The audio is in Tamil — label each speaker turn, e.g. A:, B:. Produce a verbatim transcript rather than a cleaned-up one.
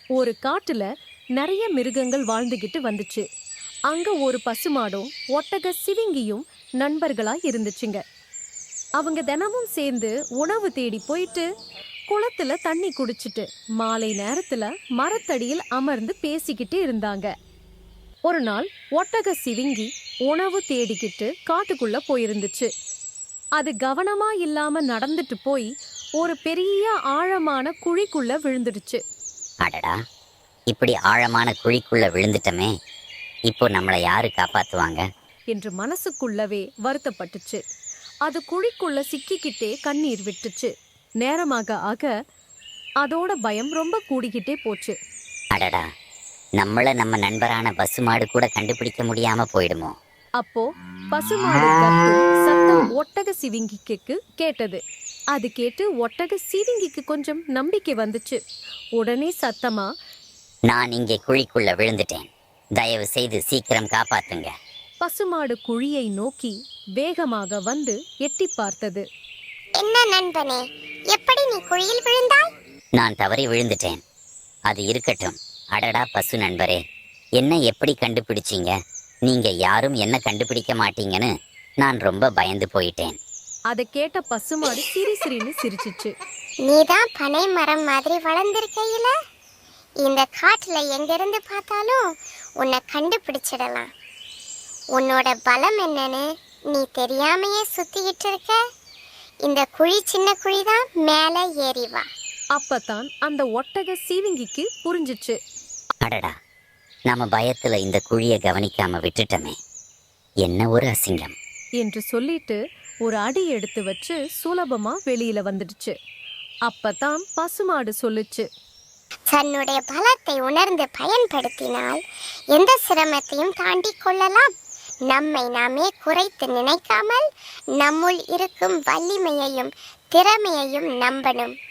A: ஒரு காட்டுல நிறைய மிருகங்கள் வாழ்ந்துகிட்டு வந்துச்சு. அங்க ஒரு பசுமாடும் ஒட்டக சிவிங்கியும் நண்பர்களா இருந்துச்சுங்க. அவங்க தினமும் சேர்ந்து உணவு தேடி போயிட்டு குளத்துல தண்ணி குடிச்சிட்டு மாலை நேரத்துல மரத்தடியில் அமர்ந்து பேசிக்கிட்டு இருந்தாங்க. ஒரு நாள் ஒட்டக சிவிங்கி உணவு தேடிக்கிட்டு காட்டுக்குள்ள போயிருந்துச்சு. அது கவனமா இல்லாம நடந்துட்டு போய் ஒரு பெரிய ஆழமான குழிக்குள்ள விழுந்துடுச்சு.
B: அடடா, இப்படி ஆழமான குழிக்குள்ள விழுந்துட்டமே, இப்போ நம்மளை யாரு காப்பாத்துவாங்க
A: என்று மனசுக்குள்ளவே வருத்தப்பட்டுச்சு. அது குழிக்குள்ள சிக்கிக்கிட்டே கண்ணீர் விட்டுச்சு. நேரமாக ஆக அதோட பயம் ரொம்ப கூடிக்கிட்டே போச்சு.
B: அடடா, நம்மள நம்ம நண்பரான பசுமாடு கூட கண்டுபிடிக்க முடியாம போயிடுமோ?
A: அப்போ பசுமாடு கத்தும் சத்தம் ஒட்டக சிவிங்கிக்கு கேட்டது. அது கேட்டு ஒட்டக சிவிங்கிக்கு கொஞ்சம் நம்பிக்கை வந்துச்சு. உடனே சத்தமா,
B: நான் இங்கே குழிக்குள்ள விழுந்துட்டேன், தயவு செய்து சீக்கிரம் காப்பாத்துங்க.
A: பசுமாடு குழியை நோக்கி வேகமாக வந்து எட்டி பார்த்தது.
C: என்ன நண்பனே, எப்படி நீ குழியில் விழுந்தாய்?
B: நான் தவறி விழுந்துட்டேன். அது இருக்கட்டும். அடடா பசு நண்பரே, என்ன எப்படி கண்டுபிடிச்சீங்க? நீங்க யாரும் என்ன கண்டுபிடிக்க மாட்டீங்கன்னு நான் ரொம்ப பயந்து போயிட்டேன்.
A: அதை கேட்ட பசுமாடு சிரி சிரின்னு சிரிச்சிச்சு.
C: நீதான் பனை மரம் மாதிரி வளர்ந்திருக்கையில இந்த காட்டுல எங்கிருந்து பார்த்தாலும் உன்னை கண்டுபிடிச்சிடலாம். உன்னோட பலம் என்னன்னு நீ தெரியாமையே சுத்திக்கிட்டு இருக்க. இந்த குழி சின்ன குழிதான், மேலே ஏறி வா.
A: அப்பதான் அந்த ஒட்டக சீவிங்கிக்கு புரிஞ்சிச்சு.
B: அடடா, நாம பயத்துல இந்த குழியை கவனிக்காம விட்டுட்டோமே, என்ன ஒரு அசிங்கம்
A: என்று சொல்லிட்டு ஒரு அடி எடுத்து வச்சு சுலபமா வெளியில வந்துடுச்சு. அப்பதான் பசுமாடு சொல்லுச்சு,
C: தன்னுடைய பலத்தை உணர்ந்து பயன்படுத்தினால் எந்த சிரமத்தையும் தாண்டி கொள்ளலாம். நம்மை நாமே குறைத்து நினைக்காமல் நம்முள் இருக்கும் வலிமையையும் திறமையையும் நம்பணும்.